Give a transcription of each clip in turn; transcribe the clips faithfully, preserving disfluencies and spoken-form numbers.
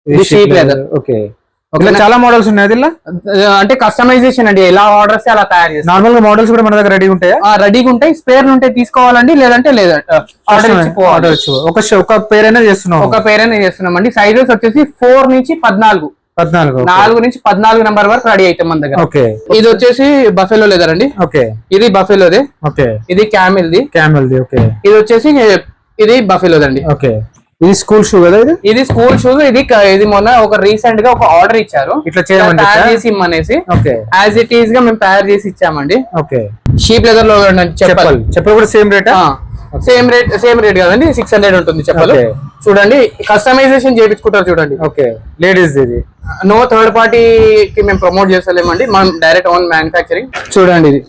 ఇది sheep leather. Okay, చాలా models ఉన్నాయి దీనిలో. అంటే కస్టమైజేషన్ అండి, ఎలా ఆర్డర్స్ అలా తయారు చేస్తాం. నార్మల్ గా మోడల్స్ కూడా మన దగ్గర రెడీ ఉంటాయా? రెడీగా ఉంటాయి. స్పేర్ ఉంటే తీసుకోవాలండి, లేదంటే లేదంటే ఆర్డర్ ఆర్డర్ ఇచ్చు. ఒక ఒక పేర్ అయినా చేస్తున్నాం, ఒక పేర్ అయినా చేస్తున్నాం అండి. సైజెస్ వచ్చేసి ఫోర్ నుంచి పద్నాలుగు పద్నాలుగు నాలుగు నుంచి పద్నాలుగు నెంబర్ వరకు రెడీ అవుతాం మన దగ్గర. ఓకే, ఇది వచ్చేసి బఫెలో లెదర్ అండి. ఓకే, ఇది బఫెలోదే. ఓకే, ఇది క్యామిల్ ది. క్యామిల్ ది. ఓకే, ఇది వచ్చేసి ఇది బఫెలోదండి. ఓకే, ఇది స్కూల్ షూ కదా? ఇది ఇది స్కూల్ షూస్. ఇది ఇది మొన్న ఒక రీసెంట్ గా ఒక ఆర్డర్ ఇచ్చారు, ఇట్లా చేయమని తయారు చేసి ఇమ్మనేసి. ఓకే, యాజ్ ఇట్ ఈస్ గా మేము తయారు చేసి ఇచ్చామండి. ఓకే, షీప్ లెదర్ లో చెప్పాలి. చెప్పలు కూడా same rate? Same rate same rate కదండి, సిక్స్ హండ్రెడ్ ఉంటుంది చెప్పలు. చూడండి, కస్టమైజేషన్ చేయించుకుంటారు చూడండి. ఓకే, లేడీస్ ఇది. నో థర్డ్ పార్టీ కి మేము ప్రమోట్ చేస్తలేమండి, మనం డైరెక్ట్ ఓన్ మ్యానుఫ్యాక్చరింగ్. చూడండి, ఇది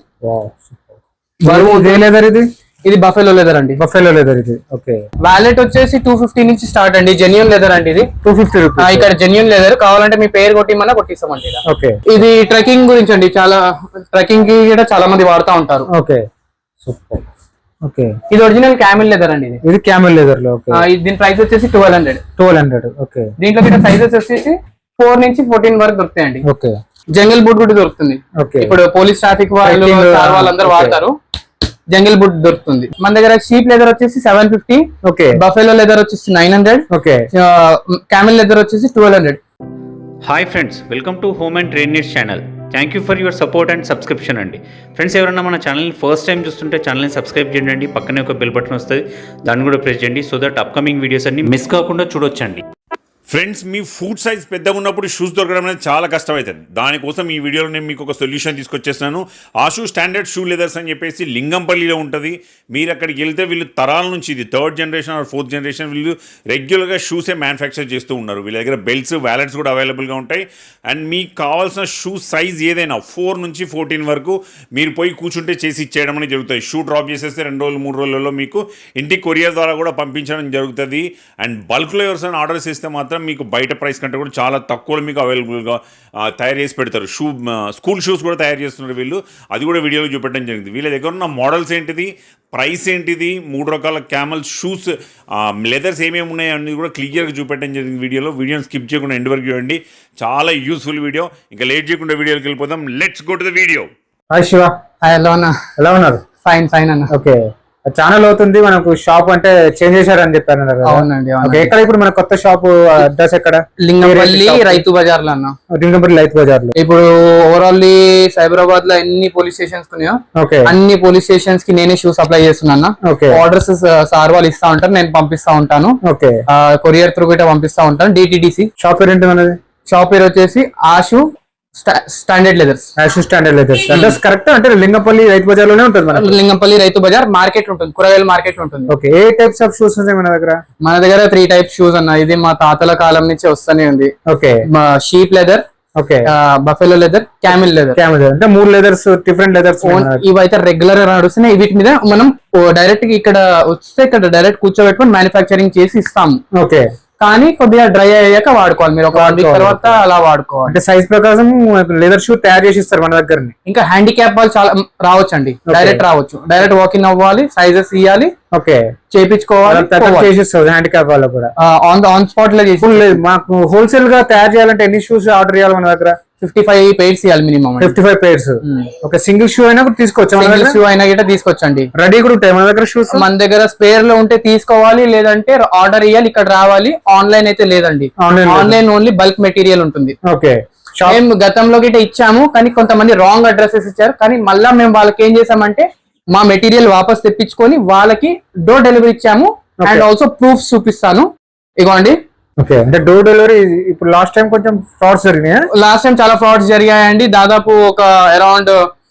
లెదర్. ఇది ఇది బఫెలో లెదర్ అండి. బఫెలో లెదర్ ఇది. ఓకే, వాలెట్ వచ్చేసి టూ ఫిఫ్టీ నుంచి స్టార్ట్ అండి. జెన్యూన్ లెదర్ అండి. ఇది టూ ఫిఫ్టీ రూపీస్. ఇక్కడ జెన్యూన్ లెదర్ కావాలంటే మీ పేరు కొట్టిమన్నా కొట్టిస్తామండి. ఓకే, ఇది ట్రెక్కింగ్ గురించి అండి, చాలా ట్రెక్కింగ్ కి కూడా చాలా మంది వాడుతూ ఉంటారు. Okay, super. ఓకే, ఇది ఒరిజినల్ క్యామిల్ లెదర్ అండి. ఇది ఇది క్యామిల్ లెదర్ లో. ఓకే, దీని ప్రైస్ వచ్చేసి twelve hundred twelve hundred okay, దీంట్లో కూడా సైజెస్ వచ్చేసి ఫోర్ నుంచి ఫోర్టీన్ వరకు దొరుకుతాయండి. ఓకే, జంగిల్ బూట్ కూడా దొరుకుతుంది. ఓకే, ఇప్పుడు పోలీస్ ట్రాఫిక్ వాళ్ళు వాళ్ళందరూ వాడతారు, జంగిల్ బూట్ దొరుకుతుంది మన దగ్గర. షీప్ లెదర్ వచ్చేసి seven fifty. Okay, buffalo leather వచ్చేసి nine hundred. Okay, camel leather వచ్చేసి twelve hundred. Hi friends, welcome to home and trade needs channel. Thank you for your support and subscription అండి. Friends, ఎవరైనా మన ఛానల్ని first time చూస్తుంటే ఛానల్ని subscribe చేయండి. పక్కనే ఒక బెల్ బటన్ వస్తుంది, దాన్ని కూడా ప్రెస్ చేయండి, సో దట్ అప్కమింగ్ వీడియోస్ అన్ని మిస్ కాకుండా చూడొచ్చండి. ఫ్రెండ్స్, మీ ఫుట్ సైజ్ పెద్దగా ఉన్నప్పుడు షూస్ దొరకడం అనేది చాలా కష్టమవుతుంది. దానికోసం ఈ వీడియోలో నేను మీకు ఒక సొల్యూషన్ తీసుకొచ్చేస్తున్నాను. ఆషు స్టాండర్డ్ షూ లెదర్స్ అని చెప్పేసి లింగంపల్లిలో ఉంటుంది. మీరు అక్కడికి వెళ్తే వీళ్ళు తరాల నుంచి, ఇది third generation or fourth generation, వీళ్ళు రెగ్యులర్గా షూసే మ్యానుఫ్యాక్చర్ చేస్తూ ఉన్నారు. వీళ్ళ దగ్గర బెల్ట్స్, వ్యాలెట్స్ కూడా అవైలబుల్గా ఉంటాయి. అండ్ మీకు కావాల్సిన షూ సైజ్ ఏదైనా ఫోర్ నుంచి ఫోర్టీన్ వరకు మీరు పోయి కూర్చుంటే చేసి ఇచ్చేయడం అనేది జరుగుతుంది. షూ డ్రాప్ చేసేస్తే రెండు రోజులు మూడు రోజులలో మీకు ఇంటికి కొరియర్ ద్వారా కూడా పంపించడం జరుగుతుంది. అండ్ బల్క్లో ఎవరిసైనా ఆర్డర్స్ ఇస్తే మాత్రం మీకు బయట ప్రైస్ కంటే కూడా చాలా తక్కువలో మీకు అవైలబుల్గా తయారు చేసి పెడతారు. షూ స్కూల్ షూస్ కూడా తయారు చేస్తున్నారు వీళ్ళు, అది కూడా వీడియోలో చూపెట్టడం జరిగింది. వీళ్ళ దగ్గర ఉన్న మోడల్స్ ఏంటిది, ప్రైస్ ఏంటిది, మూడు రకాల క్యామల్ షూస్ లెదర్స్ ఏమేమి ఉన్నాయో అన్నీ కూడా క్లియర్గా చూపెట్టడం జరిగింది వీడియోలో. వీడియోని స్కిప్ చేయకుండా ఎండ్ వరకు చూడండి, చాలా యూస్ఫుల్ వీడియో. ఇంకా లేట్ చేయకుండా వీడియోకి వెళ్ళిపోదాం. Let's go to the video. Hi Shiva. Hi, ఎలా ఉన్నా? ఎలా ఉన్నారు? ఫైన్ ఫైన్ అన్న. ఓకే, ఛానల్ అవుతుంది మనకు, షాప్ అంటే చేంజ్ చేశారని చెప్పారు. అవునండి. ఎక్కడ ఇప్పుడు మన కొత్త షాప్ అడ్రస్ ఎక్కడ? లింగంపల్లి రైతు బజార్ లో అన్న. లింగంపల్లి రైతు బజార్ లో. ఇప్పుడు ఓవరాల్ సైబరాబాద్ లో ఎన్ని పోలీస్ స్టేషన్స్ ఉన్నాయో అన్ని పోలీస్ స్టేషన్స్ కి నేనే షూ సప్లై చేస్తున్నా. ఆర్డర్స్ సార్ వాళ్ళు ఇస్తా ఉంటారు, నేను పంపిస్తా ఉంటాను. ఓకే, కొరియర్ త్రూ గిట్ట పంపిస్తా ఉంటాను. డిటిడిసి. షాప్ పేరు ఏంటి మనది? షాప్ పేరు వచ్చేసి Ashu standard leathers. Ashu standard leathers. Address correct అంటే లింగంపల్లి రైతు బజార్ లోనే ఉంటుంది మన. లింగంపల్లి రైతు బజార్ మార్కెట్ ఉంటుంది, కూరగాయల మార్కెట్ ఉంటుంది. ఓకే, ఏ టైప్స్ ఆఫ్ షూస్ ఉన్నాయి మన దగ్గర? మన దగ్గర త్రీ టైప్స్ షూస్ అన్న. ఇది మా తాతల కాలం నుంచి వస్తూనే ఉంది. Okay, sheep leather, okay, buffalo leather, camel leather. Camel అంటే మూడు లెదర్స్, డిఫరెంట్ లెదర్స్. ఇవైతే రెగ్యులర్ గా నడుస్తున్నాయి. వీటి మీద మనం డైరెక్ట్ ఇక్కడ వస్తే ఇక్కడ డైరెక్ట్ కూర్చోబెట్టుకొని మ్యానుఫ్యాక్చరింగ్ చేసి ఇస్తాము. ఓకే, కానీ కొద్దిగా డ్రై అయ్యాక వాడుకోవాలి మీరు, ఒక వన్ వీక్ తర్వాత అలా వాడుకోవాలి. అంటే సైజ్ ప్రకారం లెదర్ షూ తయారు చేసి ఇస్తారు మన దగ్గర. ఇంకా హ్యాండిక్యాప్ వాళ్ళు చాలా రావచ్చు అండి, డైరెక్ట్ రావచ్చు, డైరెక్ట్ వాకింగ్ అవ్వాలి, సైజెస్ ఇవ్వాలి, ఓకే, చేయించుకోవాలి. హ్యాండిక్యాప్ వాళ్ళు కూడా ఆన్ ఆన్ స్పాట్ లో చేసి. మాకు హోల్సేల్ గా తయారు చేయాలంటే ఎన్ని షూస్ ఆర్డర్ చేయాలి మన దగ్గర? ఫిఫ్టీ ఫైవ్ పేర్స్ ఇవ్వాలి మినిమం. Fifty five pairs. ఒక సింగిల్ షూ అయినా కూడా తీసుకోవచ్చు, సింగిల్ షూ అయినా గిట్ట తీసుకోవచ్చండి. రెడీ కూడా ఉంటాయి మన దగ్గర షూస్. మన దగ్గర స్పేర్ లో ఉంటే తీసుకోవాలి, లేదంటే ఆర్డర్ ఇవ్వాలి, ఇక్కడ రావాలి. ఆన్లైన్ అయితే లేదండి, ఆన్లైన్ ఓన్లీ బల్క్ మెటీరియల్ ఉంటుంది. ఓకే, మేము గతంలో గిట్ట ఇచ్చాము, కానీ కొంతమంది రాంగ్ అడ్రసెస్ ఇచ్చారు. కానీ మళ్ళా మేము వాళ్ళకి ఏం చేసామంటే మా మెటీరియల్ వాపస్ తెప్పించుకొని వాళ్ళకి డోర్ డెలివరీ ఇచ్చాము. అండ్ ఆల్సో ప్రూఫ్స్ చూపిస్తాను, ఇగోండి. ఓకే, అంటే డోర్ డెలివరీ. ఇప్పుడు లాస్ట్ టైం కొంచెం ఫ్రాడ్స్ జరిగినాయి. లాస్ట్ టైం చాలా ఫ్రాడ్స్ జరిగాయండి. దాదాపు ఒక around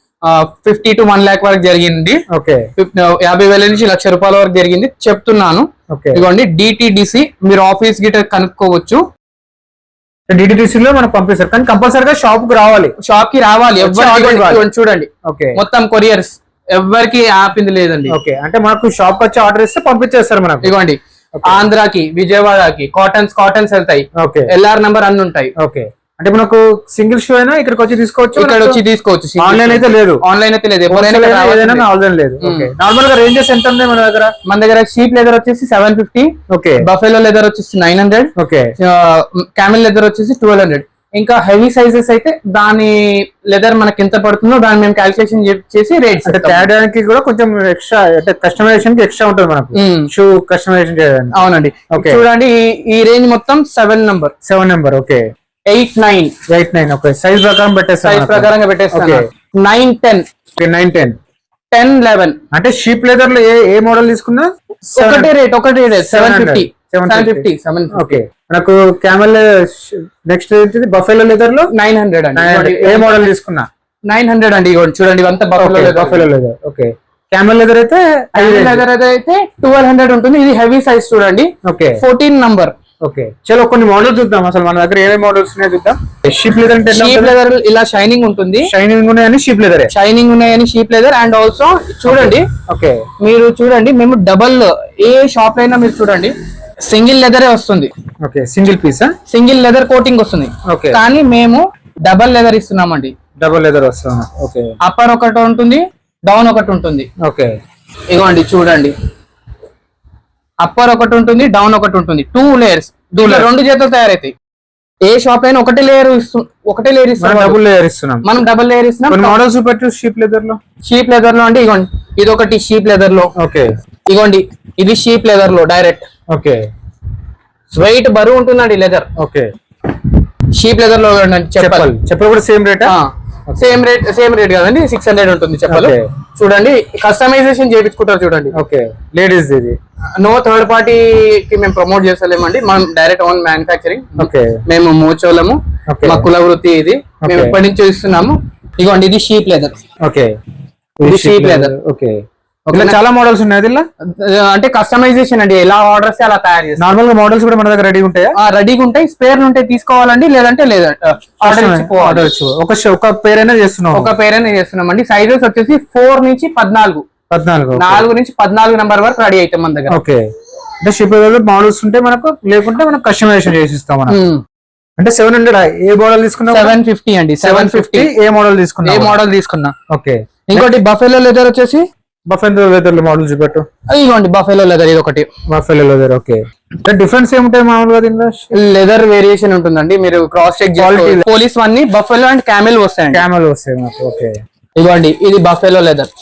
fifty to one lakh వరకు జరిగింది. ఓకే, యాభై వేల నుంచి లక్ష రూపాయల వరకు జరిగింది చెప్తున్నాను. ఇదిగోండి, డిటిడిసి. మీరు ఆఫీస్ గిట్ట కనుక్కోవచ్చు. డిటిడిసి లో మనం పంపిస్తారు, కానీ కంపల్సరీగా షాప్ కి రావాలి. షాప్ కి రావాలి. చూడండి, ఓకే, మొత్తం కొరియర్స్ ఎవరికి ఆపింది లేదండి. ఓకే, అంటే మనకు షాప్ వచ్చి ఆర్డర్ ఇస్తే పంపించేస్తారు మనకు. ఇదిగోండి, ఆంధ్రాకి, విజయవాడకి కాటన్స్ కాటన్స్ వెళ్తాయి. ఎల్ఆర్ నంబర్ అన్ని ఉంటాయి. ఓకే, అంటే మనకు సింగిల్ షూ అయినా ఇక్కడికి వచ్చి తీసుకోవచ్చు, ఇక్కడ వచ్చి తీసుకోవచ్చు. ఆన్లైన్ అయితే లేదు, ఆన్లైన్ అయితే లేదు, ఏదైనా ఆన్లైన్ లేదు. నార్మల్ గా రేంజెస్ ఎంత ఉన్నాయి మన దగ్గర? మన దగ్గర షీప్ లెదర్ వచ్చేసి seven fifty, okay. Buffalo leather వచ్చేసి nine hundred, okay. Camel leather వచ్చేసి ట్వెల్వ్ హండ్రెడ్. ఇంకా హెవీ సైజెస్ అయితే దాని లెదర్ మనకి ఎంత పడుతుందో దాన్ని మేము క్యాల్కులేషన్ చేసి రేట్స్ అంటే తేడానికి కూడా కొంచెం ఎక్స్ట్రా, అంటే కస్టమైజేషన్ కి ఎక్స్ట్రా ఉంటుంది మనకు షూ కస్టమైజేషన్ చేయడానికి. అవునండి. చూడండి ఈ రేంజ్ మొత్తం seven number seven number okay. Eight nine eight nine okay. Size ప్రకారం పెట్టేస్తాం, సైజ్ ప్రకారంగా పెట్టేస్తాం. Nine ten nine ten ten eleven. అంటే షీప్ లెదర్ లో ఏ ఏ మోడల్ తీసుకున్నా ఒకటే రేట్, ఒకటే rate seven fifty seven fifty seven. Okay. మనకు క్యామెల్ నెక్స్ట్ ఏంటిది బఫెలో లెదర్ లో నైన్ హండ్రెడ్ అండి. ఏ మోడల్ తీసుకున్నా నైన్ హండ్రెడ్ అండి. చూడండి ఇవంతా buffalo buffalo leather. Okay. Camel leather అయితే లెదర్ అయితే ట్వెల్వ్ హండ్రెడ్ ఉంటుంది. ఇది హెవీ సైజ్ చూడండి. ఓకే. Fourteen number. ఓకే. చలో కొన్ని మోడల్స్ చూద్దాం, అసలు మన దగ్గర ఏ మోడల్స్ ఉన్నాయో చూద్దాం. షీప్ లెదర్ అంటే షీప్ లెదర్ ఇలా షైనింగ్ ఉంటుంది, షైనింగ్ ఉన్నాయని షీప్ లెదర్, షైనింగ్ ఉన్నాయని షీప్ లెదర్. అండ్ ఆల్సో చూడండి, ఓకే, మీరు చూడండి, మేము డబల్ ఏ షాప్ అయినా మీరు చూడండి సింగిల్ లెదరే వస్తుంది. Okay. Single piece, single leather coating వస్తుంది. ఓకే. కానీ మేము డబల్ లెదర్ ఇస్తున్నామండి. డబల్ లెదర్ వస్తుంది. ఓకే. అప్పర్ ఒకటి ఉంటుంది, డౌన్ ఒకటి ఉంటుంది. ఓకే. ఇగోండి చూడండి, అప్పర్ ఒకటి ఉంటుంది, డౌన్ ఒకటి ఉంటుంది. టూ లేయర్స్, రెండు చేతులు తయారైతాయి. ఏ షాప్ అయినా ఒకటే లేయర్ ఒకటే లేయర్ ఇస్తున్నాం, డబుల్ లేయర్ ఇస్తున్నాం. మనం డబుల్ లేయర్ ఇస్తున్నాం. మోడల్స్ పెట్టు షీప్ లెదర్ లో. షీప్ లెదర్ లో అంటే ఇగోండి, ఇది ఒకటి షీప్ లెదర్ లో. ఓకే. ఇగోండి ఇది షీప్ లెదర్ లో డైరెక్ట్. ఓకే. వెయిట్ బరువు ఉంటుందండి లెదర్. ఓకే. షీప్ లెదర్ లో చెప్పాలి, చెప్పలు కూడా same rate, same rate same rate కదండి. సిక్స్ హండ్రెడ్ ఉంటుంది చెప్పాలి. చూడండి కస్టమైజేషన్ చేయించుకుంటారు చూడండి. ఓకే. లేడీస్ ఇది నో థర్డ్ పార్టీ కి మేము ప్రమోట్ చేస్తలేమండి, మనం డైరెక్ట్ ఓన్ మ్యానుఫాక్చరింగ్. ఓకే. మేము మోచోలము, మా కుల వృత్తి ఇది, మేము ఎప్పటి నుంచి ఇస్తున్నాము. ఇగోండి ఇది షీప్ లెదర్. ఓకే. ఇది షీప్ లెదర్. ఓకే. చాలా మోడల్స్ ఉన్నాయి ఇలా, అంటే కస్టమైజేషన్ అండి, ఎలా ఆర్డర్స్ అలా తయారు చేస్తాం. నార్మల్ గా మోడల్స్ కూడా మన దగ్గర రెడీ ఉంటాయా? రెడీగా ఉంటాయి. స్పేర్ ఉంటే తీసుకోవాలండి, లేదంటే లేదంటే ఆర్డర్ ఒక ఒక పేర్ అయినా చేస్తున్నాం, ఒక పేర్ అయినా చేస్తున్నాం అండి. సైజెస్ వచ్చేసి ఫోర్ నుంచి పద్నాలుగు పద్నాలుగు నాలుగు నుంచి పద్నాలుగు నెంబర్ వరకు రెడీ అవుతాం మన దగ్గర. ఓకే. అంటే షిప్ మోడల్స్ ఉంటే మనకు, లేకుంటే మనం కస్టమైజేషన్ చేసి ఇస్తాం మనం. అంటే సెవెన్ హండ్రెడ్ ఏ మోడల్ తీసుకున్నా? సెవెన్ ఫిఫ్టీ అండి. సెవెన్ ఫిఫ్టీ ఏ మోడల్ తీసుకున్నా? ఏ మోడల్ తీసుకున్నా. ఓకే. ఇంకోటి బఫెలో లెదర్ వచ్చేసి బఫెలో లెదర్ లో మోడల్ చూపెట్టు. ఇదిగోండి బఫెలో లెదర్, ఇది ఒకటి బఫెలో లెదర్. ఓకే. డిఫరెన్స్ ఏముంటాయి మామూలుగా దీనిలో? లెదర్ వేరియేషన్ ఉంటుందండి, మీరు క్రాస్ చెక్ చేయాలి. Police one buffalo and camel వస్తాయండి. క్యామెల్ వస్తాయి. ఓకే. ఇదిగోండి ఇది బఫెలో లెదర్.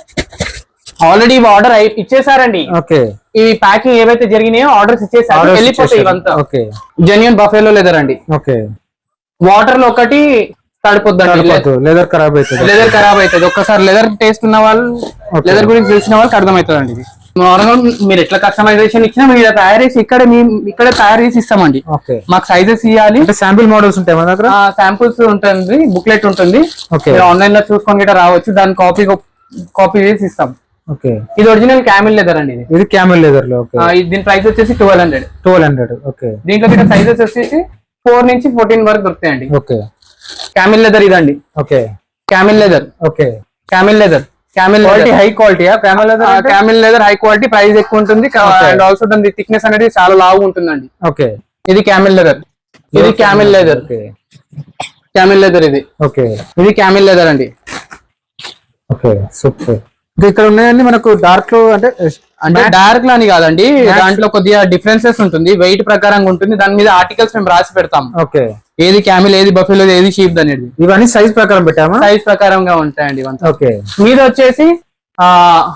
ఆల్రెడీ ఆర్డర్ ఇచ్చేసారండి. ఓకే. ఇవి ప్యాకింగ్ ఏవైతే జరిగినాయో ఆర్డర్స్ ఇచ్చేసారు, వెళ్ళిపోతాయి ఇవంతా. ఓకే. జెన్యూన్ బఫెలో లెదర్ అండి. ఓకే. వాటర్ లో ఒకటి తడిపోద్దండి, లెదర్ ఖరాబ్ అవుతుంది. లెదర్ ఖరాబ్ అవుతుంది. ఒక్కసారి లెదర్ టేస్ట్ ఉన్న వాళ్ళు, లెదర్ గురించి తెలిసిన వాళ్ళకి అర్థమవుతుంది అండి. ఇది నార్మల్ మీరు ఎట్లా కస్టమైజేషన్ ఇచ్చినా మీరు తయారు చేసి ఇక్కడ మేము ఇక్కడ తయారు చేసి ఇస్తామండి. మాకు సైజెస్ ఇవ్వాలి. శాంపిల్ మోడల్స్ ఉంటాయి మన దగ్గర, శాంపుల్స్ ఉంటుంది, బుక్లెట్ ఉంటుంది. ఆన్లైన్ లో చూసుకొని గిట్ట రావచ్చు, దాని కాపీ కాపీ చేసి ఇస్తాం. ఓకే. ఇది ఒరిజినల్ క్యామెల్ లెదర్ అండి. ఇది ఇది క్యామెల్ లెదర్ లో. దీని ప్రైస్ వచ్చేసి twelve hundred twelve hundred okay. దీంట్లో గిట్ట సైజెస్ వచ్చేసి ఫోర్ నుంచి ఫోర్టీన్ వరకు దొరుకుతాయండి. ఓకే. క్యామెల్ లెదర్ ఇదండి. Okay. Camel leather. Okay. Camel leather, camel quality high quality. Camel leather, camel leather high quality, price ఎక్కువ ఉంటుంది. అండ్ ఆల్సో దాని థిక్నెస్ అనేది చాలా లావు ఉంటుందండి. ఓకే. ఇది క్యామెల్ లెదర్, ఇది క్యామెల్ లెదర్. క్యామెల్ లెదర్ ఇది. ఓకే. ఇది క్యామెల్ లెదర్ అండి. ఓకే. సూపర్. ఇక్కడ ఉన్నాయండి మనకు డార్క్ లో, అంటే అంటే డార్క్ లో అని కాదండి, దాంట్లో కొద్దిగా డిఫరెన్సెస్ ఉంటుంది, వెయిట్ ప్రకారంగా ఉంటుంది. దాని మీద ఆర్టికల్స్ మేము రాసి పెడతాం. ఓకే. ఏది క్యామిల్, ఏది బఫెలో, ఏది షీప్ అనేది. ఇవన్నీ సైజ్ ప్రకారం పెట్టామా? సైజ్ ప్రకారంగా ఉంటాయండి ఇవంతా. ఓకే. మీద వచ్చేసి ఆ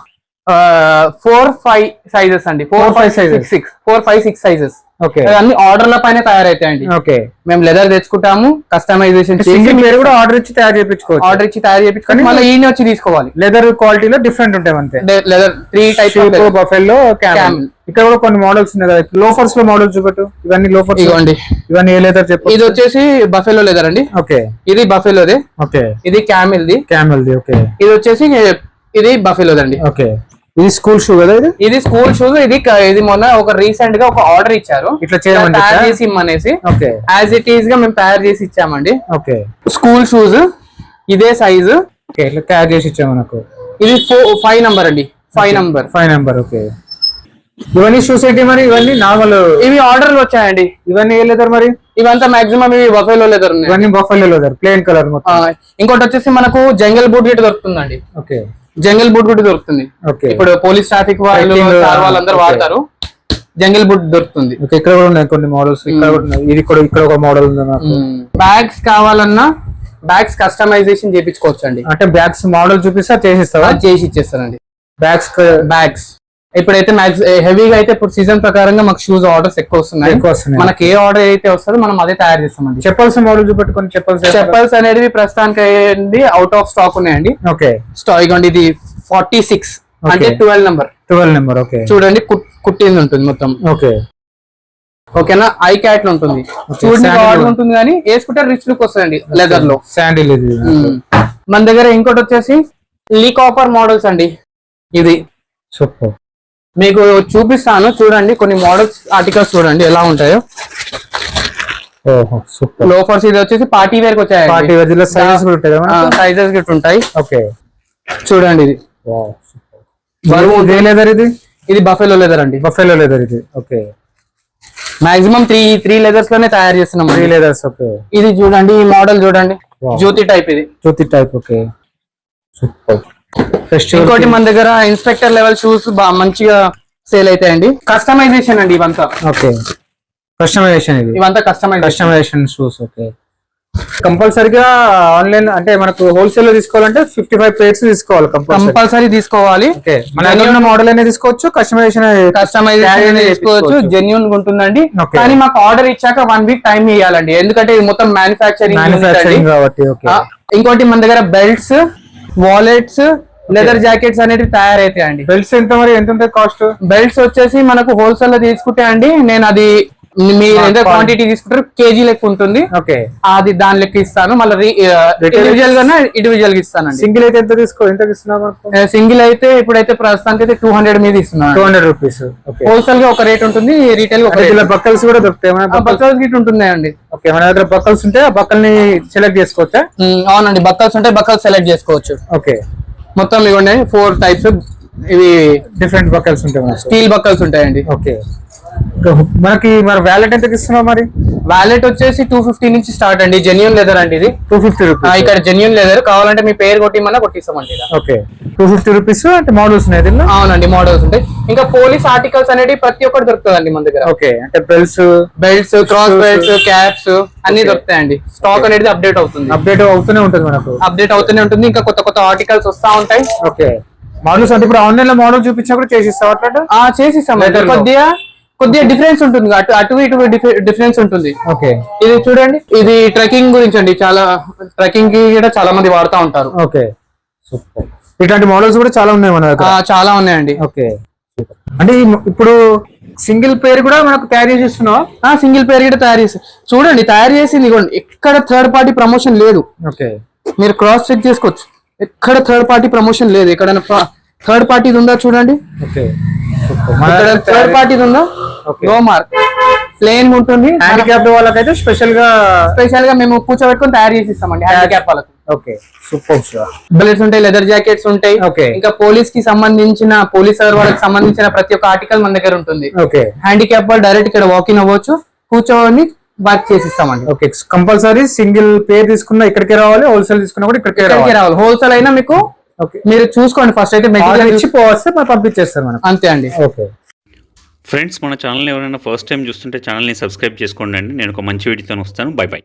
ఫోర్ ఫైవ్ సైజెస్ అండి. Four five sizes six four five six sizes. Okay. అన్ని ఆర్డర్ల పైన తయారైతాయండి. ఓకే. మేము లెదర్ తెచ్చుకుంటాము, కస్టమైజేషన్ చేసి కూడా ఆర్డర్ ఇచ్చి తయారు చేయించుకోవచ్చు. ఆర్డర్ ఇచ్చి తయారు చేయించుకొని మళ్ళీ ఈయన వచ్చి తీసుకోవాలి. లెదర్ క్వాలిటీలో డిఫరెంట్ ఉంటాయి అంతే. Leather three types, buffalo, camel. ఇక్కడ కూడా కొన్ని మోడల్స్ ఉన్నాయి కదా. లోఫర్స్ లో మోడల్స్ చూపెట్టు. ఇవన్నీ లోఫర్స్. ఇవ్వండి. ఇవన్నీ ఏ లెదర్ చెప్పు. ఇది వచ్చేసి బఫెలో లెదర్ అండి. ఓకే. ఇది బఫెలోదే. ఓకే. ఇది క్యామెల్ ది. క్యామెల్ ది. ఓకే. ఇది వచ్చేసి ఇది బఫెలోదండి. ఓకే. ఇది స్కూల్ షూ కదా? ఇది ఇది స్కూల్ షూస్. ఇది ఇది మొన్న ఒక రీసెంట్ గా ఒక ఆర్డర్ ఇచ్చారు, ఇట్లా చేయమని తయారు చేసి ఇమ్మనేసి. ఓకే. యాజ్ ఇట్ ఈస్ గా మేము తయారు చేసి ఇచ్చామండి. ఓకే. స్కూల్ షూస్ ఇదే సైజు. ఓకే. ఇట్లా తయారు చేసి ఇచ్చాము మనకు. ఇది ఫైవ్ నంబర్ అండి. Five number five number okay. ఇవన్నీ షూస్ ఏంటి మరి? ఇవన్నీ నార్మల్, ఇవి ఆర్డర్లు వచ్చాయండి. ఇవన్నీ ఏ లెదర్ మరి? ఇవంతా మాక్సిమం ఇవి బఫెలో లెదర్ ఉన్నాయి. ఇవన్నీ బఫెలో లెదర్, ప్లెయిన్ కలర్ మొత్తం. ఆ, ఇంకోటి వచ్చేసి మనకు జంగల్ బూట్ గిట్ దొరుకుతుందండి. ఓకే, జంగల్ బూట్ కూడా దొరుకుతుంది. ఓకే, ఇప్పుడు పోలీస్ ట్రాఫిక్ వాళ్ళు Hiking, సార్ వాళ్ళందరూ okay. వాడతారు. జంగల్ బూట్ దొరుకుతుంది. ఓకే, ఇక్కడ కూడా ఉన్నాయి కొన్ని మోడల్స్. ఇక్కడ కూడా ఉన్నాయి. ఇది కూడా ఇక్కడ ఒక మోడల్ ఉంది నాకు. బ్యాగ్స్ కావాలన్నా బ్యాగ్స్ కస్టమైజేషన్ చేయించుకోవచ్చు అండి. అంటే బ్యాగ్స్ మోడల్ చూపిస్తా చేసిస్తావా? అది చేసి ఇచ్చేస్తానండి. బ్యాగ్స్ బ్యాగ్స్ ఇప్పుడైతే మ్యాక్స్ హెవీగా అయితే ఇప్పుడు సీజన్ ప్రకారంగా మాకు షూస్ ఆర్డర్స్ ఎక్కువ వస్తున్నాయి. ఎక్కువ వస్తున్నాయి. మనకి ఏ ఆర్డర్ అయితే వస్తుందో మనం అదే తయారు చేస్తామండి. చెప్పల్స్ మోడల్ చూపెట్టుకొని చెప్పల్స్ చెప్పల్స్ అనేది ప్రస్తుతానికి అయ్యండి అవుట్ ఆఫ్ స్టాక్ ఉన్నాయండి. ఓకే, స్టాక్ ఇగోండి ఇది ఫార్టీ సిక్స్ అంటే twelve number. Twelve number okay, చూడండి కుట్- కుట్టింది ఉంటుంది మొత్తం. ఓకే, ఓకేనా, ఐ క్యాట్ ఉంటుంది. చూడండి Sandal ఆర్డర్ ఉంటుంది కానీ వేసుకుంటే రిచ్ లుక్ వస్తుందండి లెదర్ లో. శాండిల్ ఇది. మ్మ్. మన దగ్గర ఇంకోటి వచ్చేసి లీ కాపర్ మోడల్స్ అండి. ఇది సూపర్. మీకు చూపిస్తాను చూడండి, కొన్ని మోడల్స్ ఆర్టికల్స్ చూడండి ఎలా ఉంటాయో. ఓహో సూపర్. లోఫర్స్ ఇది వచ్చేసి పార్టీ వేర్ కి వచ్చాయి. పార్టీ వేర్ లో సైజెస్ కూడా ఉంటాయి కదా? సైజెస్ గిట్ ఉంటాయి. ఓకే, చూడండి ఇది వావ్ సూపర్. బరువు ఏ లెదర్ ఇది? ఇది బఫెలో లెదర్ అండి. బఫెలో లెదర్ ఇది. Okay, maximum three three leathers లోనే తయారు చేస్తున్నాం. Three leathers. ఓకే, ఇది చూడండి, ఈ మోడల్ చూడండి, Wow. జ్యోతి టైప్ ఇది. Jyoti type. Okay, super. Festival ఇంకోటి మన దగ్గర ఇన్స్పెక్టర్ లెవెల్ షూస్ మంచిగా సేల్ అవుతాయండి. కస్టమైజేషన్ అండి ఇవంతా. ఓకే, కస్టమైజేషన్ ఇది. ఇవంతా కస్టమైజేషన్. Customisation shoes. ఓకే, కంపల్సరీగా ఆన్లైన్ అంటే మనకు హోల్సేల్ లో తీసుకోవాలంటే ఫిఫ్టీ ఫైవ్ పేర్స్ తీసుకోవాలి కంపల్సరీ. కంపల్సరీ తీసుకోవాలి. ఓకే, మన దగ్గర ఉన్న మోడల్ అనేది తీసుకోవచ్చు, కస్టమైజేషన్ కస్టమైజేషన్ చేసుకోవచ్చు, జెన్యున్ గా ఉంటుందండి. Okay. కానీ మాకు ఆర్డర్ ఇచ్చాక వన్ వీక్ టైం ఇవ్వాలండి, ఎందుకంటే ఇది మొత్తం మ్యానుఫాక్చరింగ్. మ్యానుఫాక్చరింగ్ కాబట్టి. ఓకే, ఇంకోటి మన దగ్గర బెల్ట్స్, వాలెట్స్, లెదర్ జాకెట్స్ అనేవి తయారైతాయండి. బెల్ట్స్ ఎంత మరి? ఎంత ఉంటుంది కాస్ట్? బెల్ట్స్ వచ్చేసి మనకు హోల్సేల్ లో తీసుకుంటే అండి, నేను అది మీరు ఎంత క్వాంటిటీ తీసుకుంటారు కేజీ లెక్క ఉంటుంది. ఓకే, అది దాని లెక్క ఇస్తాను. మళ్ళీ ఇండివిజువల్ గా ఇండివిజువల్ గా ఇస్తానండి. సింగిల్ అయితే ఎంత తీసుకో ఎంత ఇస్తున్నావు? సింగిల్ అయితే ఇప్పుడైతే ప్రస్తుతానికి అయితే టూ హండ్రెడ్ మీద ఇస్తున్నాను. Two hundred rupees. హోల్సేల్ గా ఒక రేట్ ఉంటుంది, రీటైల్ గా ఒక రేట్. బక్కల్స్ కూడా దొరుకుతాయి మన? బక్కల్స్ గిట్ ఉంటున్నాయండి. ఓకే, మన దగ్గర బక్కల్స్ ఉంటే ఆ బక్కల్ని సెలెక్ట్ చేసుకోవచ్చా? ఉమ్, అవునండి, బక్కల్స్ ఉంటే బక్కల్స్ సెలెక్ట్ చేసుకోవచ్చు. ఓకే, మొత్తం ఇవ్వండి ఫోర్ టైప్స్. ఇవి డిఫరెంట్ బక్కల్స్ ఉంటాయి మనకి. స్టీల్ బక్కల్స్ ఉంటాయండి. ఓకే, మనకి మరి వ్యాలెట్ ఎంతకి ఇస్తున్నావు మరి? వాలెట్ వచ్చేసి టూ ఫిఫ్టీ నుంచి స్టార్ట్ అండి. జెన్యున్ లెదర్ అండి ఇది. Two fifty rupees. ఇక్కడ జెన్యున్ లెదర్ కావాలంటే మీ పేరు కొట్టిమన్నా కొట్టిస్తామండి. ఓకే, టూ ఫిఫ్టీ రూపీస్ అంటే మోడల్స్ ఉన్నాయి దీనిలో? అవునండి, మోడల్స్ ఉంటాయి. ఇంకా పోలీస్ ఆర్టికల్స్ అనేవి ప్రతి ఒక్కటి దొరుకుతుందండి మన దగ్గర. ఓకే, అంటే belts, belts, cross belts, caps అన్ని దొరుకుతాయండి. స్టాక్ అనేది అప్డేట్ అవుతుంది. అప్డేట్ అవుతూనే ఉంటుంది మనకు. అప్డేట్ అవుతూనే ఉంటుంది. ఇంకా కొత్త కొత్త ఆర్టికల్స్ వస్తా ఉంటాయి. ఓకే, మోడల్స్ అంటే ఇప్పుడు ఆన్లైన్ లో మోడల్ చూపించినా కూడా చేసిస్తావు అట్లా? ఆ చేసిస్తాం. కొద్దిగా కొద్దిగా డిఫరెన్స్ ఉంటుంది, అటు అటు ఇటు డిఫరెన్స్ ఉంటుంది. ఓకే, ఇది చూడండి, ఇది ట్రెక్కింగ్ గురించి అండి. చాలా ట్రెక్కింగ్ కి కూడా చాలా మంది వాడుతూ ఉంటారు. Okay, super. ఇట్లాంటి మోడల్స్ కూడా చాలా ఉన్నాయి మన దగ్గర. ఆ, చాలా ఉన్నాయండి. ఓకే, అంటే ఈ- ఇప్పుడు సింగిల్ పేరు కూడా మనకు తయారు చేసి ఇస్తున్నావా? ఆ సింగిల్ పేరు కూడా తయారు చేసి చూడండి, తయారు చేసింది ఇదిగోండి. ఎక్కడ థర్డ్ పార్టీ ప్రమోషన్ లేదు. ఓకే, మీరు క్రాస్ చెక్ చేసుకోవచ్చు. ఎక్కడ థర్డ్ పార్టీ ప్రమోషన్ లేదు. ఎక్కడైనా థర్డ్ పార్టీ ఉందా చూడండి. ఓకే, ఇక్కడ థర్డ్ పార్టీ ఉందా? Okay. నో మార్క్, ప్లేన్ ఉంటుంది. హ్యాండిక్యాప్డ్ వాళ్ళకైతే స్పెషల్ గా స్పెషల్ గా మేము కూర్చోబెట్టుకొని తయారు చేసి ఇస్తామండి హ్యాండిక్యాప్ వాళ్ళకి. Okay, super. బెలెట్స్ ఉంటాయి, లెదర్ జాకెట్స్ ఉంటాయి. Okay. ఇంకా పోలీస్ కి సంబంధించిన పోలీస్ వాళ్ళకి సంబంధించిన ప్రతి ఒక్క ఆర్టికల్ మన దగ్గర ఉంటుంది. ఓకే, హ్యాండిక్యాప్ వాళ్ళు డైరెక్ట్ ఇక్కడ వాకింగ్ అవ్వచ్చు, కూర్చోని వర్క్ చేసి ఇస్తామండి. ఓకే, కంపల్సరీ సింగిల్ పేర్ తీసుకున్నా ఇక్కడికే రావాలి, హోల్సేల్ తీసుకున్నా కూడా ఇక్కడికే ఇక్కడికి రావాలి. రావాలి. హోల్సేల్ అయినా మీకు ఓకే, మీరు చూసుకోండి ఫస్ట్ అయితే ఆర్డర్ మెటీరియల్ ఇచ్చి పోవస్తే మనం పంపించేస్తారు మనం. అంతే అండి. ఓకే ఫ్రెండ్స్, మన ఛానల్ని ఎవరైనా ఫస్ట్ టైం చూస్తుంటే ఛానల్ని సబ్స్క్రైబ్ చేసుకోండి అండి. నేను ఒక మంచి వీడియోతో వస్తాను. Bye by.